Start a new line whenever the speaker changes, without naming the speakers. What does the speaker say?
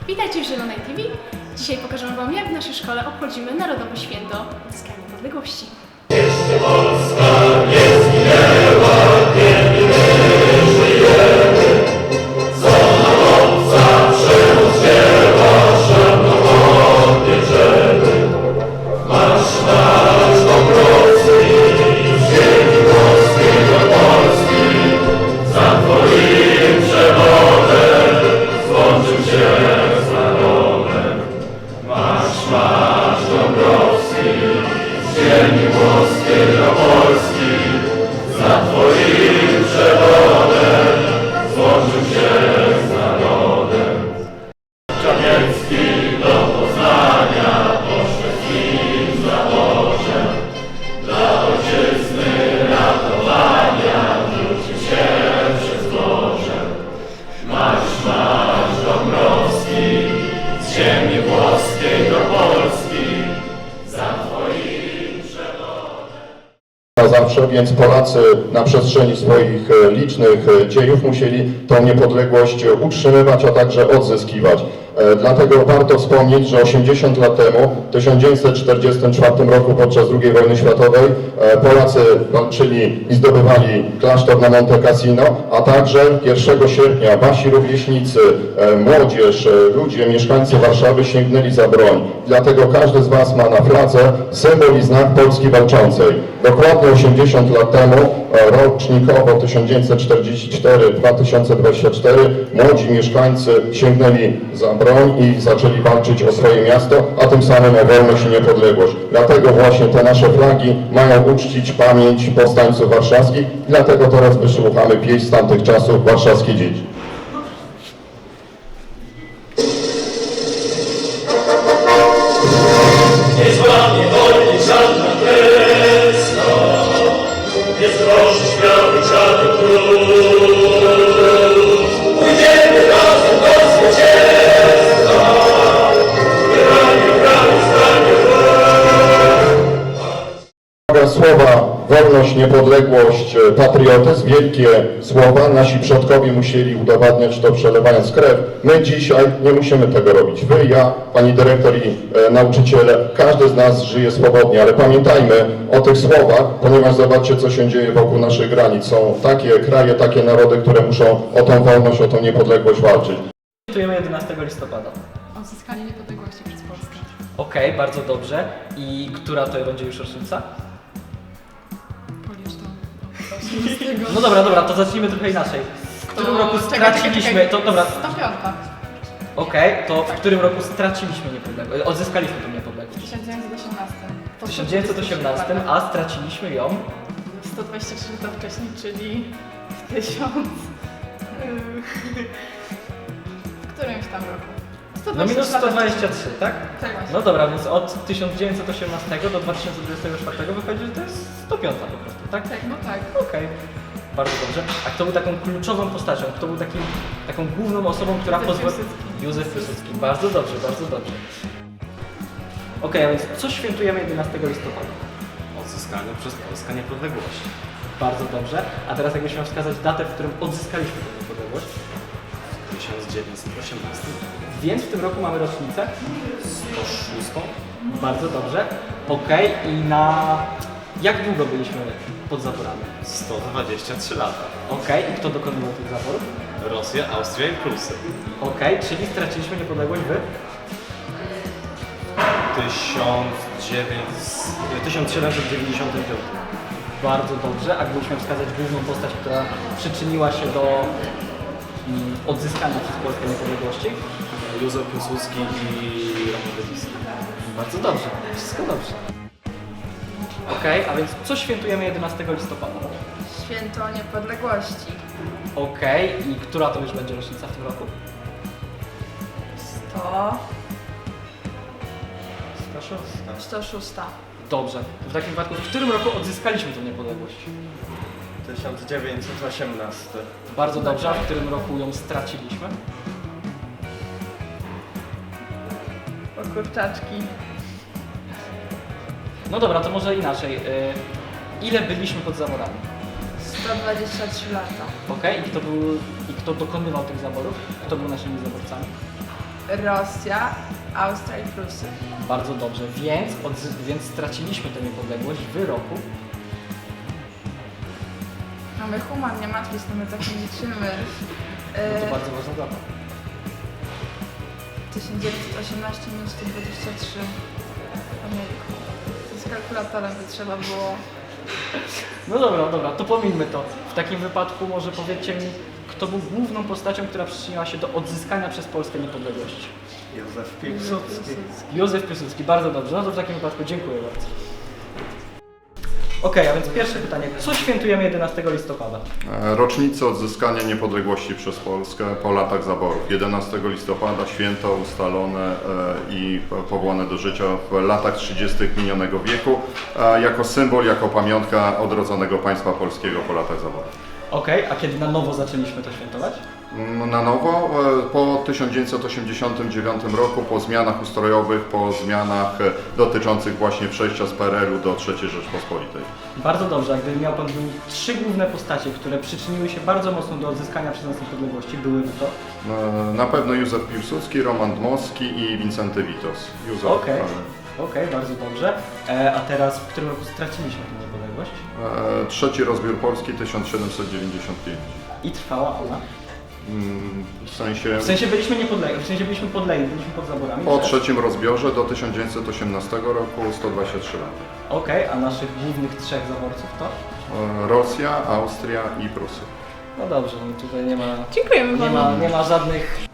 Witajcie w Zielonej TV. Dzisiaj pokażemy Wam, jak w naszej szkole obchodzimy Narodowe Święto Odzyskania Niepodległości.
Jeszcze Polska nie zginęła, kiedy my żyjemy. Co nam zawsze oddziela, szanownie bierzemy. Marsz Dąbrowski, z ziemi włoskiej do Polski. Za Twoim przewodem złączył się z narodem. Marsz Dąbrowski, z ziemi włoskiej do Polski. Za Twoim przewodem złączył się z narodem. Czarniecki do Poznania poszedł nim za Bożem. Dla ojczyzny ratowania rzucił się przez morze. Marsz Dąbrowski, z ziemi włoskiej do Polski. Za Twoim przewodem.
Zawsze, więc Polacy na przestrzeni swoich licznych dziejów musieli tą niepodległość utrzymywać, a także odzyskiwać. Dlatego warto wspomnieć, że 80 lat temu, w 1944 roku podczas II wojny światowej, Polacy walczyli i zdobywali klasztor na Monte Cassino, a także 1 sierpnia wasi rówieśnicy, młodzież, ludzie, mieszkańcy Warszawy sięgnęli za broń. Dlatego każdy z was ma na fladze symbol i znak Polski walczącej. Dokładnie 80 lat temu, rocznikowo 1944-2024, młodzi mieszkańcy sięgnęli za broń i zaczęli walczyć o swoje miasto, a tym samym o wolność i niepodległość. Dlatego właśnie te nasze flagi mają uczcić pamięć powstańców warszawskich, dlatego teraz wysłuchamy pieśń z tamtych czasów Warszawskie Dzieci.
Nie złamie wolni żadna kresna, nie zdroży śmiały żaden król. Pójdziemy razem do zwycięstwa, ramię w ramię stanie
Słowa wolność, niepodległość, patriotyzm, wielkie słowa. Nasi przodkowie musieli udowadniać to, przelewając krew. My dzisiaj nie musimy tego robić. Wy, ja, pani dyrektor i nauczyciele, każdy z nas żyje swobodnie, ale pamiętajmy o tych słowach, ponieważ zobaczcie, co się dzieje wokół naszych granic. Są takie kraje, takie narody, które muszą o tą wolność, o tą niepodległość walczyć.
Świętujemy 11 listopada.
Odzyskanie niepodległości przez Polskę.
Okej, bardzo dobrze. I która to będzie już rocznica?
Policz to.
No dobra, to zacznijmy trochę inaczej. W którym roku straciliśmy... To dobra.
105.
Okej, to w którym roku straciliśmy niepodległość? Odzyskaliśmy tę niepodległość.
W 1918.
W 1918, a straciliśmy ją
123 lata wcześniej, czyli w 1000... w którymś tam roku.
no minus 123, tak?
Tak właśnie.
No dobra, więc od 1918 do 2024 wychodzi, że to jest 105 po prostu, tak?
Tak, no tak.
Okej, bardzo dobrze. A kto był taką kluczową postacią? Kto był taką główną osobą, która
Józef
pozwoliła...
Piłsudski.
Józef Piłsudski. Bardzo dobrze, bardzo dobrze. Okej, a więc co świętujemy 11 listopada?
Odzyskanie przez Polskę niepodległości.
Bardzo dobrze. A teraz jakbyś miał wskazać datę, w którym odzyskaliśmy tę niepodległość?
W 1918.
Więc w tym roku mamy rocznicę?
106.
Bardzo dobrze. Okej, i na... Jak długo byliśmy pod zaporami?
123 lata.
Okej, i kto dokonywał tych zaporów?
Rosja, Austria i Prusy.
Okej, czyli straciliśmy niepodległość wy?
1795.
Bardzo dobrze. A gdybyśmy wskazać główną postać, która przyczyniła się do odzyskania przez Polskę niepodległości?
Józef Piłsudski i Roman Dybski.
Bardzo dobrze. Wszystko dobrze. Okej, a więc co świętujemy 11 listopada?
Święto Niepodległości.
Okej, i która to już będzie rocznica w tym roku?
106.
Dobrze. To w takim wypadku, w którym roku odzyskaliśmy tę niepodległość?
1918.
Bardzo dobrze. A w którym roku ją straciliśmy?
O kurczaczki.
No dobra, to może inaczej. Ile byliśmy pod zaborami?
123 lata.
Okej, i kto dokonywał tych zaborów? Kto był naszymi zaborcami?
Rosja, Austria i Prusy.
Bardzo dobrze, więc straciliśmy tę niepodległość w roku.
Mamy human, nie matwis, no my tak nie liczymy.
No to bardzo ważna data.
1918 minus 123. Ojejku. Z kalkulatorem by trzeba było.
No dobra, to pomińmy to. W takim wypadku może powiedzcie mi, kto był główną postacią, która przyczyniła się do odzyskania przez Polskę niepodległości?
Józef Piłsudski.
Józef Piłsudski, bardzo dobrze. No to w takim wypadku dziękuję bardzo. Okej, a więc pierwsze pytanie. Co świętujemy 11 listopada?
Rocznicę odzyskania niepodległości przez Polskę po latach zaborów. 11 listopada święto ustalone i powołane do życia w latach 30. minionego wieku jako symbol, jako pamiątka odrodzonego państwa polskiego po latach zaborów.
Okej, a kiedy na nowo zaczęliśmy to świętować?
Na nowo po 1989 roku, po zmianach ustrojowych, po zmianach dotyczących właśnie przejścia z PRL-u do III Rzeczpospolitej.
Bardzo dobrze, a gdyby miał Pan wymienić 3 główne postacie, które przyczyniły się bardzo mocno do odzyskania przez nas niepodległości, byłyby to?
Na pewno Józef Piłsudski, Roman Dmowski i Wincenty Witos. Józef,
Okej, bardzo dobrze. A teraz w którym roku straciliśmy tę niepodległość?
Trzeci rozbiór Polski 1795.
I trwała ona?
W sensie
byliśmy niepodlegli, w sensie byliśmy podlegli, byliśmy pod zaborami.
po trzecim rozbiorze do 1918 roku 123 lata.
Okej, a naszych głównych 3 zaborców to?
Rosja, Austria i Prusy.
No dobrze, no tutaj nie ma,
Dziękujemy Panu.
nie ma żadnych